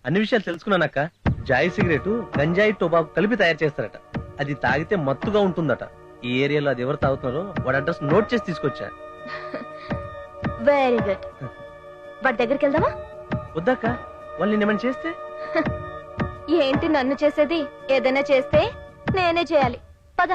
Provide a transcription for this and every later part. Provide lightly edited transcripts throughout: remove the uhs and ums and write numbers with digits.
అన్ని విషయాలు తెలుసుకున్నానక్క. Joy cigarette గంజాయి టొబాకు కలిపి తయారు చేస్తారట. అది తాగితే మత్తుగా ఉంటుందట. ఈ ఏరియాలో అది ఎవరు తాగుతున్నారో వాడి అడ్రస్ నోట్ చేసి తీసుకొచ్చా. Very good. వాడి దగ్గరికి వెళ్దామా? వద్దాక, వాళ్ళు నిన్నేమని చేస్తే? ఏంటి నన్ను చేసేది? ఏదైనా చేస్తే నేనే చేయాలి. పద.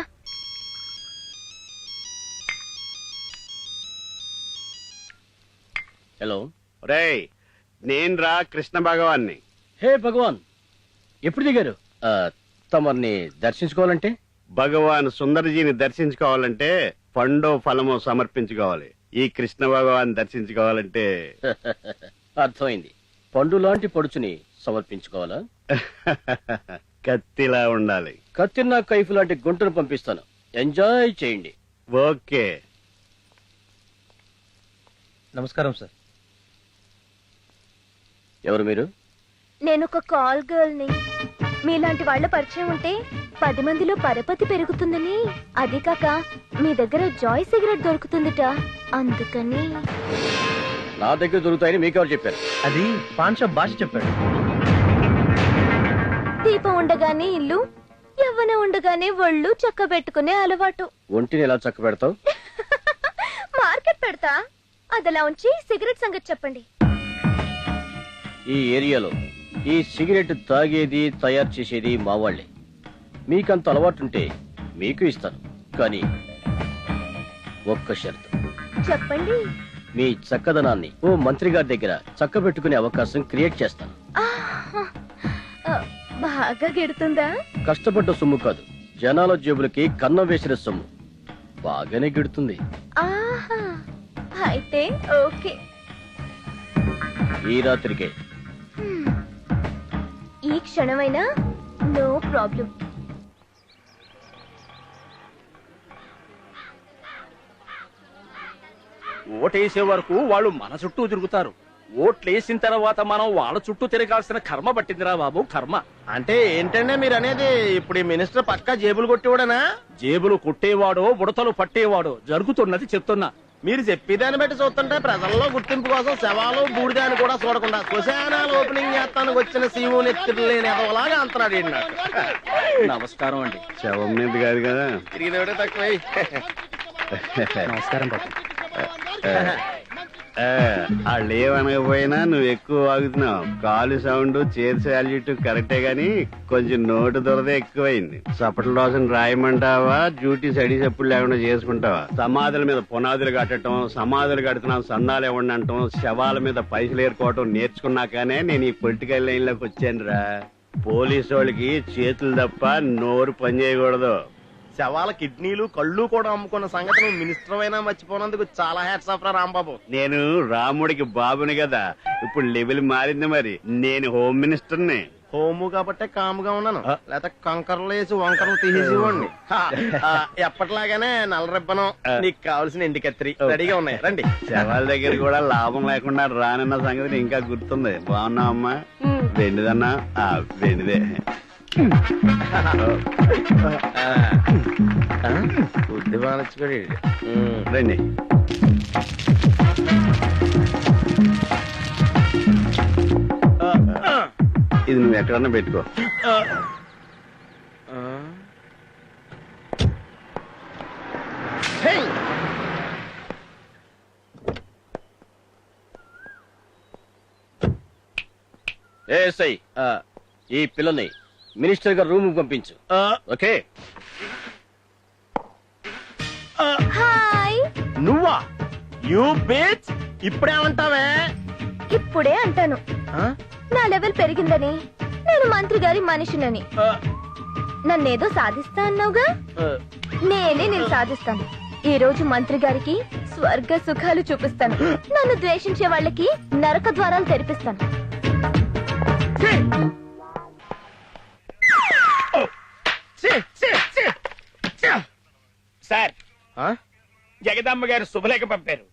హలో రేయ్, నేను రా కృష్ణ భగవాన్ని. హే భగవాన్, ఎప్పుడు దిగారు? తమర్ని దర్శించుకోవాలంటే? భగవాన్ సుందరజీని దర్శించుకోవాలంటే పండో ఫలమో సమర్పించుకోవాలి. ఈ కృష్ణ భగవాన్ దర్శించుకోవాలంటే అర్థమైంది. పండు లాంటి పడుచుని సమర్పించుకోవాలా? కత్తిలా ఉండాలి. కత్తిన్నా కైఫ్ లాంటి గుంటను పంపిస్తాను. ఎంజాయ్ చేయండి. ఓకే. నమస్కారం సార్. ఎవరు మీరు? నేను ఒక కాల్ గర్ల్ ని. మీలాంటి వాళ్ళ పరిచయం ఉంటే 10 మందిలో పరపతి పెరుగుతుందని, అది కాక మీ దగ్గర జాయ్ సిగరెట్ దొరుకుతుందిట, అందుకని. నా దగ్గర దొరుకుతాయని మీకెవరు చెప్పారు? అది పాన్ షాప్ భాష చెప్పాడు. దీపం ఉండగానే ఇల్లు, యవ్వన ఉండగానే ఒళ్ళు చక్క పెట్టుకునే అలవాటు. ఒంటిని ఎలా చక్క పెడతావు? మార్కెట్ పెడతా. అదలా ఉంచి సిగరెట్ సంగతి చెప్పండి. ఈ ఏరియాలో ఈ సిగరెట్ తాగేది తయారు చేసేది మా వాళ్లే. మీకంత అలవాటుంటే మీకు ఇస్తాను, కానీ ఒక్క షరతు. చెప్పండి. మీ చక్కదనాన్ని ఓ మంత్రి గారి దగ్గర చక్క పెట్టుకునే అవకాశం క్రియేట్ చేస్తాను. బాగా గిడుతుందా? కష్టపడ్డ సొమ్ము కాదు, జనాల జేబులకి కన్నం వేసిన సొమ్ము. బాగానే గిడుతుంది. ఆహా, అయితే ఓకే. ఈ రాత్రికే. ఈ క్షణమైనా నో ప్రాబ్లం. ఓటేసే వరకు వాళ్ళు మన చుట్టూ తిరుగుతారు. ఓట్లేసిన తర్వాత మనం వాళ్ళ చుట్టూ తిరగాల్సిన కర్మ పట్టిందిరా బాబు, కర్మ. అంటే ఏంటంటే మీరు అనేది? ఇప్పుడు ఈ మినిస్టర్ పక్కా జేబులు కొట్టేవాడనా? జేబులు కొట్టేవాడో ఉడతలు పట్టేవాడో జరుగుతున్నది చెప్తున్నా. మీరు చెప్పేదాన్ని బట్టి చూస్తుంటే ప్రజల్లో గుర్తింపు కోసం శవాలు బూడిదాన్ని కూడా చూడకుండా శ్మశానాలు ఓపెనింగ్ చేస్తానికి వచ్చిన సీఓ నెత్తులు లేని ఎదవలాగా అంటున్నాడు ఏంటి నాకు. నమస్కారం అండి. శవం మీద కాదు కదా. తిరిగినవిడే తక్కువ. నమస్కారం బాబు. వాళ్ళు ఏమనకపోయినా నువ్వు ఎక్కువ వాగుతున్నావు. కాలు సౌండ్ చేతి సాల్యూట్ కరెక్టే గాని కొంచెం నోటు దొరదే ఎక్కువైంది. సపట్ల రోజున రాయమంటావా, డ్యూటీ సడి చెప్పులు లేకుండా చేసుకుంటావా? సమాధుల మీద పునాదులు కట్టడం, సమాధులు కడుతున్నాం సందాలు ఇవ్వండి అంటాం, శవాల మీద పైసలు ఏరుకోవటం నేర్చుకున్నాకనే నేను ఈ పొలిటికల్ లైన్ లోకి వచ్చాను రా. పోలీసు వాళ్ళకి చేతులు తప్ప నోరు పని చేయకూడదు. శవాల కిడ్నీలు కళ్ళు కూడా అమ్ముకున్న సంగతి నువ్వు మినిస్టర్ అయినా మర్చిపోయినందుకు చాలా హ్యాట్స్ ఆఫ్ రా రాంబాబు. నేను రాముడికి బాబుని కదా, ఇప్పుడు లెవెల్ మారింది. మరి నేను హోమ్ మినిస్టర్ని. హోము కాబట్టే కాముగా ఉన్నాను, లేకపోతే కంకర్లు వేసి వంకరలు తీసేసేవాడిని. ఎప్పటిలాగానే నల్ల రిబ్బనం, నీకు కావాల్సిన ఎండి కత్తిరి రెడీగా ఉన్నాయి, రండి. శవాల దగ్గర కూడా లాభం లేకుండా రానన్న సంగతి ఇంకా గుర్తుంది. బాగున్నావు అమ్మా? వెండిదన్నా? వెండిదే. బుద్ధి బాగా రండి. ఇది నువ్వు ఎక్కడన్నా పెట్టుకో. ఏసై, ఈ పిల్లని మినిస్టర్ గారు రూమ్ పంపించు. ఓకే. హాయ్. నువ్వా? You bitch. ఇప్పుడేమంటావే? ఇప్పుడే అంటాను, నా లెవెల్ పెరిగిందని, నేను మంత్రి గారి మనిషినని. నన్నేదో సాధిస్తా అన్నావుగా, నేనే నేను సాధిస్తాను. ఈ రోజు మంత్రి గారికి స్వర్గ సుఖాలు చూపిస్తాను. నన్ను ద్వేషించే వాళ్ళకి నరక ద్వారాలు తెరిపిస్తాను. సార్, జగదమ్మ గారు శుభలేఖ పంపారు.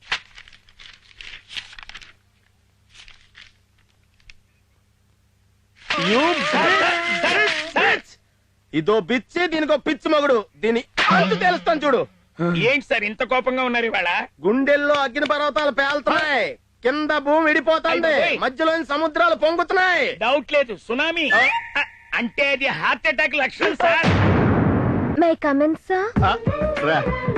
ఇదో బిచ్చి, దీనికో పిచ్చి మగుడు. దీని అంతు తెలుస్తాను చూడు. ఏంటి సార్ ఇంత కోపంగా ఉన్నారు ఇవాళ? గుండెల్లో అగ్ని పర్వతాలు పేలుతున్నాయి. కింద భూమి విడిపోతుంది, మధ్యలోని సముద్రాలు పొంగుతున్నాయి. డౌట్ లేదు, సునామీ అంటే అది హార్ట్ అటాక్ లక్షణం సార్. May come in sir? రా.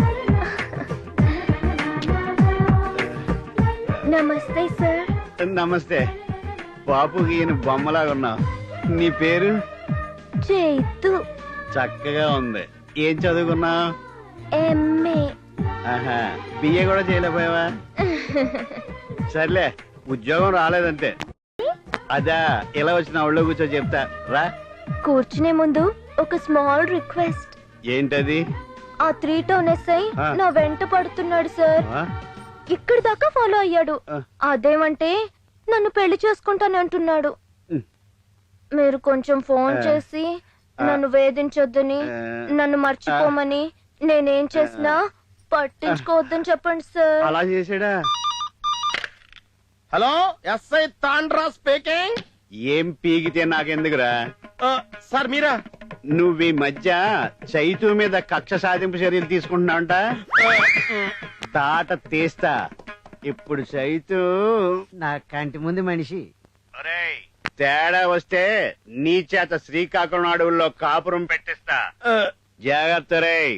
నమస్తే సార్. నమస్తే. బాపుకి ఈయన బొమ్మలాగా ఉన్నావు. నీ పేరు? చైతు. చక్కగా ఉంది. ఏం చదువుకున్నావు? ఎంఏ. ఆహా, బిఏ కూడా చేయలేకపోయావా? సర్లే, ఉద్యోగం రాలేదంటే. అదా, ఇలా వచ్చిన ఒళ్ళో కూర్చో చెప్తా రా. కూర్చునే ముందు ఒక స్మాల్ రిక్వెస్ట్. ఏంటది? ఆ 3 టౌన్ ఎస్ఐ నా వెంట పడుతున్నాడు సార్. ఆ? ఇక్కడి దాకా ఫాలో అయ్యాడు. ఆ. అదేమంటే నన్ను పెళ్లి చేసుకుంటానంటున్నాడు. మీరు కొంచెం ఫోన్ చేసి నన్ను వేధించొద్దని, నన్ను మర్చిపోమని, నేనేం చేసినా పట్టించుకోవద్దని చెప్పండి సార్. అలా చేసాడా? Hello, S I Tandra speaking. ఏం పీకితే నాకెందుకురా? సార్ మీరా? నువ్వు ఈ మధ్య చైతు మీద కక్ష సాధింపు చర్యలు తీసుకుంటున్నావంట. తాట తీస్తా. ఇప్పుడు చైతు నా కంటి ముందు మనిషి. ఒరేయ్, తేడా వస్తే నీ చేత శ్రీకాకుళం అడవుల్లో కాపురం పెట్టిస్తా. జాగ్రత్త రేయ్.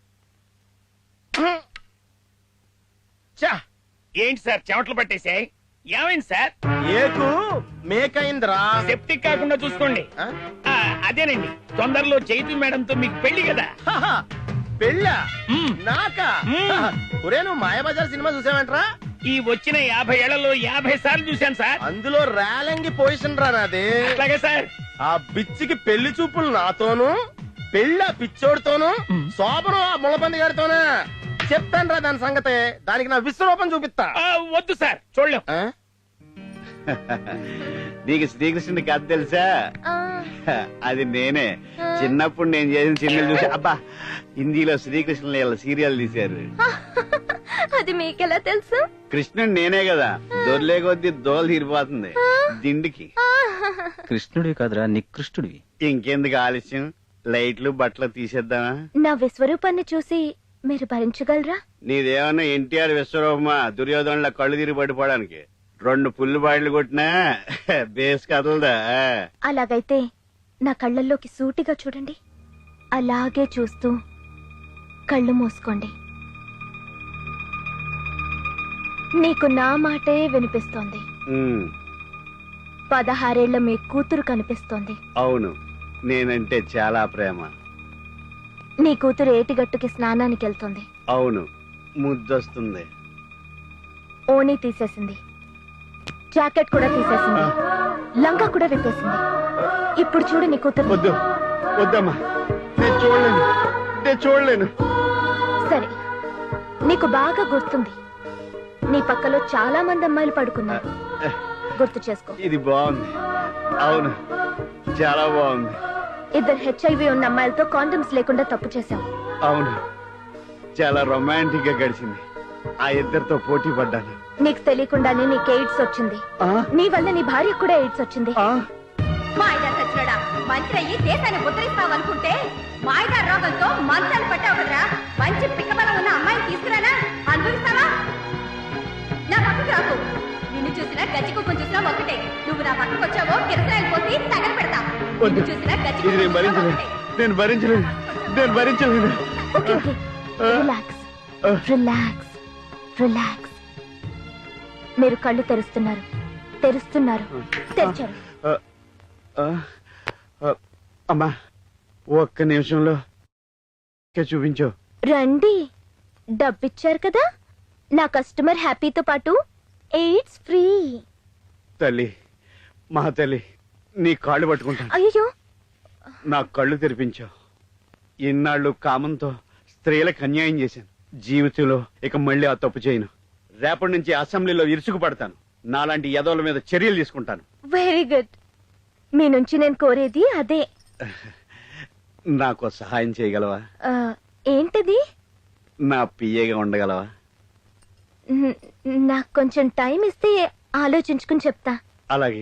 ఏంటి సార్ చెమటలు పట్టేసాయి? ఏమైంది సార్? ఏకు మేకైందిరా. సెప్టిక్ కాకుండా చూసుకోండి. అదేనండి, తొందరలో చైతు మేడంతో మీకు పెళ్లి కదా. పెళ్ళా? మ్మ్. నాకా? మ్మ్. ఒరే, నువ్వు మాయాబజార్ సినిమా చూసావంట్రా? ఈ వచ్చిన 50 ఏళ్లలో 50 సార్లు చూశాను సార్. అందులో రేలంగి పొజిషన్ రా నాది. అట్లాగే సార్. ఆ బిచ్చికి పెళ్లి చూపులు నాతోను, పెళ్ళి ఆ పిచ్చోడితోను, శోభను ఆ ముళ్ళపంది గారితోనా. చెప్తాను రా దాని సంగతే. దానికి నా విశ్వరూపం చూపిస్తా. వద్దు సార్, చూడలేం. ఆ? నీకు శ్రీకృష్ణుడి కథ తెలుసా? ఆ, అది నేనే. చిన్నప్పుడు నేను చేసిన సినిమాలు చూసి అబ్బా, హిందీలో శ్రీకృష్ణుల సీరియల్ తీశారు. అది మీకెలా తెలుసు? కృష్ణుడు నేనే కదా. దొర్లే కొద్దీ దోలు తీరిపోతుంది దిండికి. కృష్ణుడివి కాదురా, నికృష్టుడివి. ఇంకెందుకు ఆలస్యం, లైట్లు బట్టలు తీసేద్దామా? నా విశ్వరూపాన్ని చూసి మీరు భరించగలరా? నీదేమన్నా ఎన్టీఆర్ విశ్వరూపమా దుర్యోధనుల కళ్ళు తిరిగి పడిపోవడానికి? 2 పుల్లు బాయిలు కొట్టినా బేస్ కదలదా? అలాగైతే నా కళ్ళల్లోకి సూటిగా చూడండి. అలాగే చూస్తూ కళ్ళు మూసుకోండి. నీకు నా మాటే వినిపిస్తోంది. 16 ఏళ్ల మీ కూతురు కనిపిస్తోంది. అవును, నేనంటే చాలా ప్రేమ. నీ కూతురు ఏటిగట్టుకి స్నానానికి వెళ్తోంది. అవును, ముద్దొస్తుంది. ఓణీ తీసేసింది, జాకెట్ కూడా తీసేసింది, లంగా కూడా విప్పేసింది. ఇప్పుడు చూడు నీ కూతురు. వద్దు, వద్దమ్మా, నేను చూడలేను, నేను చూడలేను. సరే, నీకు బాగా గుర్తుంది, నీ పక్కలో చాలా మంది అమ్మాయిలు పడుకున్నారు. గుర్తు చేసుకో. ఇది బాగుంది. అవును, చాలా బాగుంది. 2 HIV ఉన్న అమ్మాయిలతో కాండమ్స్ లేకుండా తప్పు చేశావు. అవును, చాలా రొమాంటిక్ గా గడిచింది. ఆ ఇద్దరితో పోటీ పడ్డాను. నీకు తెలియకుండానే నీకు ఎయిడ్స్ వచ్చింది. నీ వల్ల నీ భార్యకు కూడా ఎయిడ్స్ వచ్చింది. మాయదారు సచ్చినోడా, మంత్రి అయ్యి దేశాన్ని ఉద్ధరిస్తావనుకుంటే మాయదారు రోగంతో మంచాలు పట్టావు కదరా. మంచి పిక్కబలం ఉన్న అమ్మాయిని తీసుకురానా? అనుభవిస్తావా? నా పక్కకు రాకు. నిన్ను చూసినా గచ్చి కుక్కను చూసినా ఒకటే. నువ్వు నా పక్కకు వచ్చావో కిరసనాయలు పోసి తగల పెడతా. నిన్ను చూసినా గచ్చి ఇది నేను భరించలేను, నేను భరించలేను, నేను భరించలేను. Okay okay, relax relax relax. మీరు కళ్ళు తెరుస్తున్నారు, తెరుస్తున్నారు, తెరిచారు. అమ్మా, ఒక్క నిమిషంలో చూపించు. రండి, డబ్బిచ్చారు కదా. నా కస్టమర్ హ్యాపీతో పాటు ఎయిడ్స్ ఫ్రీ. తల్లి, మా తల్లి, నీ కాళ్ళు పట్టుకుంటాను. అయ్యో, నా కళ్ళు తెరిపించావు. ఇన్నాళ్ళు కామంతో స్త్రీలకు అన్యాయం చేశాను. జీవితంలో ఇక మళ్ళీ ఆ తప్పు చేయను. రేపటి నుంచి అసెంబ్లీలో ఇరుసుకు పడతాను. నాలాంటి యదవుల మీద చర్యలు తీసుకుంటాను. Very good. మీ నుంచి నేను కోరేది అదే. నాకు సహాయం చేయగలవా? ఏంటది? నా పిఏగా ఉండగలవా? నాకు కొంచెం టైం ఇస్తే ఆలోచించుకుని చెప్తా. అలాగే.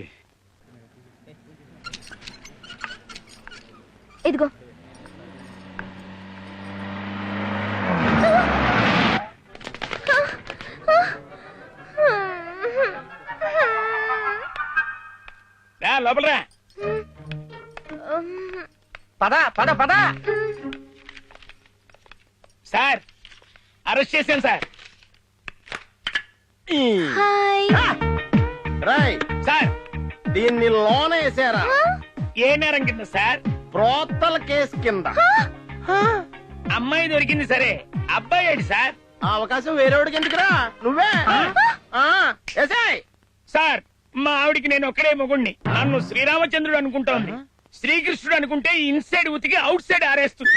ఇదిగో. లోపలరా. పద పద పద. సార్ అరెస్ట్ చేశాను సార్. హాయ్. రాయ్ సార్ దీన్ని లోన వేసారా? ఏ నేరం కింద సార్? ప్రోత్తల కేసు కింద. అమ్మాయి దొరికింది సరే, అబ్బాయి ఏంటి సార్? ఆ అవకాశం వేరేవాడికి ఎందుకురా, నువ్వే ఏసేయ్. సార్ మా ఆవిడికి నేను ఒక్కడే మొగుణ్ణి. నన్ను శ్రీరామచంద్రుడు అనుకుంటోంది. శ్రీకృష్ణుడు అనుకుంటే ఇన్సైడ్ ఉతికి అవుట్ సైడ్ ఆరేస్తుంది.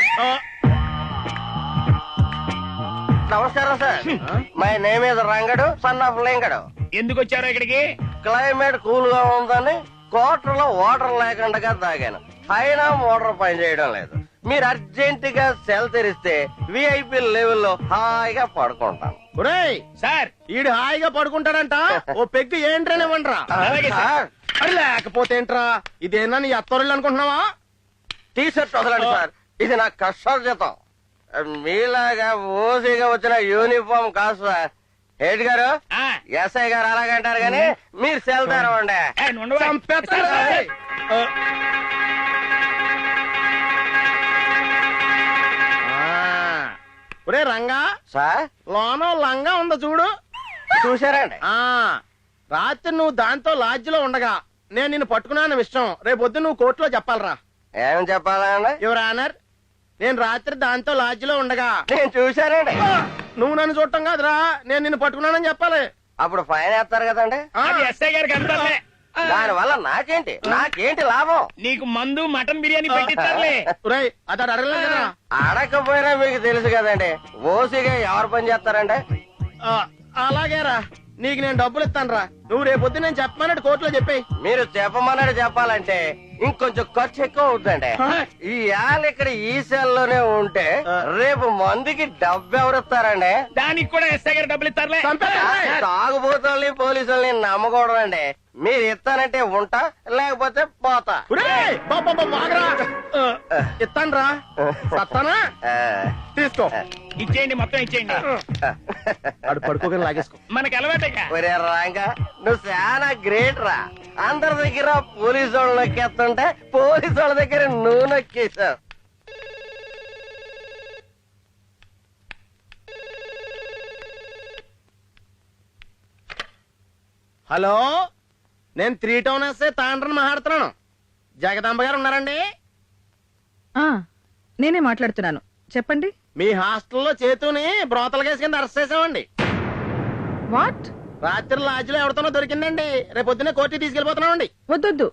నమస్కారం sir. My name is Rangadu, son of Lingadu. ఎందుకు వచ్చారో ఇక్కడికి? క్లైమేట్ కూల్ గా ఉందని కోటర్లో వాటర్ లేకుండా తాగాను. అయినా మోటార్ పని చేయడం లేదు. మీరు అర్జెంట్ గా సెల్ తెరిస్తే విఐపి లెవెల్లో హాయిగా పడుకుంటాను. సార్ ఈడు హాయిగా పడుకుంటాడంట. ఓ పెగ్గు ఏంట్రనివ్వండిరా. అలాగే సార్. అది లేకపోతే ఏంట్రా, ఇదేనా నీ అత్తరుళ్ళు అనుకుంటున్నావా? టీషర్ట్ వదలండి సార్, ఇది నా కష్టార్జితం. మీలాగా ఓసీగా వచ్చిన యూనిఫామ్ కాదు సార్. హెడ్ గారు, ఎస్ఐ గారు అలాగంటారు కానీ మీరు సెల్ తెరవండి. ఒరే రంగా సార్, లోన లంగా ఉందో చూడు. చూసారండి. రాత్రి నువ్వు దాంతో లాడ్జిలో ఉండగా నేను నిన్ను పట్టుకున్నాను విషయం రేపొద్దు నువ్వు కోర్టులో చెప్పాలరా. ఏం చెప్పాలండి? యువర్ ఆనర్, నేను రాత్రి దాంతో లాడ్జిలో ఉండగా నేను చూశానండి. నువ్వు నన్ను చూడటం కాదురా, నేను నిన్ను పట్టుకున్నానని చెప్పాలి. అప్పుడు ఫైన్ వేస్తారు కదండి. ఎస్ఐ గారికి అంటారులే. దాని వల్ల నాకేంటి లాభం? నీకు మందు మటన్ బిర్యానీ పెట్టిస్తారులే. అతడు అడగలేదు కదా. అడగకపోయినా మీకు తెలుసు కదండి ఓసీగా ఎవరు పని చేస్తారండి. అలాగేరా, నీకు నేను డబ్బులు ఇస్తాను రా. నువ్వు రేపొద్దు నేను చెప్పమన్నట్టు కోర్టులో చెప్పేయి. మీరు చెప్పమన్నట్టు చెప్పాలంటే ఇంకొంచెం ఖర్చు ఎక్కువ అవుతుందండి. ఈ యాల్ ఇక్కడ ఈ సెల్లోనే ఉంటే రేపు మందుకి డబ్బు ఎవరిస్తారండి? దానికి కూడా ఎస్ఐ గారు డబ్బులు ఇస్తారులే. తాగుబోతుల్ని పోలీసుల్ని నమ్మకూడదు అండి. మీరు ఇస్తానంటే ఉంటా, లేకపోతే పోతా. ఇస్తాను రా. తీసుకో. ఇచ్చేయండి, మొత్తం ఇచ్చేయండి. పడుకోగానే లాగేసుకో. మనకి అలవాటే. రాంగా నువ్వు చాలా గ్రేట్ రా. అందరి దగ్గర పోలీసు వాళ్ళు నొక్కేస్తుంటే పోలీసు వాళ్ళ దగ్గర నువ్వు నొక్కేశావు. హలో, నేను 3 టౌన్ ఎస్ఐ తాండ్రని మాట్లాడుతున్నాను. జగదాంబ గారు ఉన్నారండి? నేనే మాట్లాడుతున్నాను, చెప్పండి. మీ హాస్టల్లో చేతుని బ్రోతల కేసు కింద అరెస్ట్ చేసామండి. వాట్? రాత్రి లాడ్జిలో ఎవరితోనో దొరికిందండి. రేపొద్దునే కోర్టుకి తీసుకెళ్లిపోతున్నామండి. వద్దొద్దు,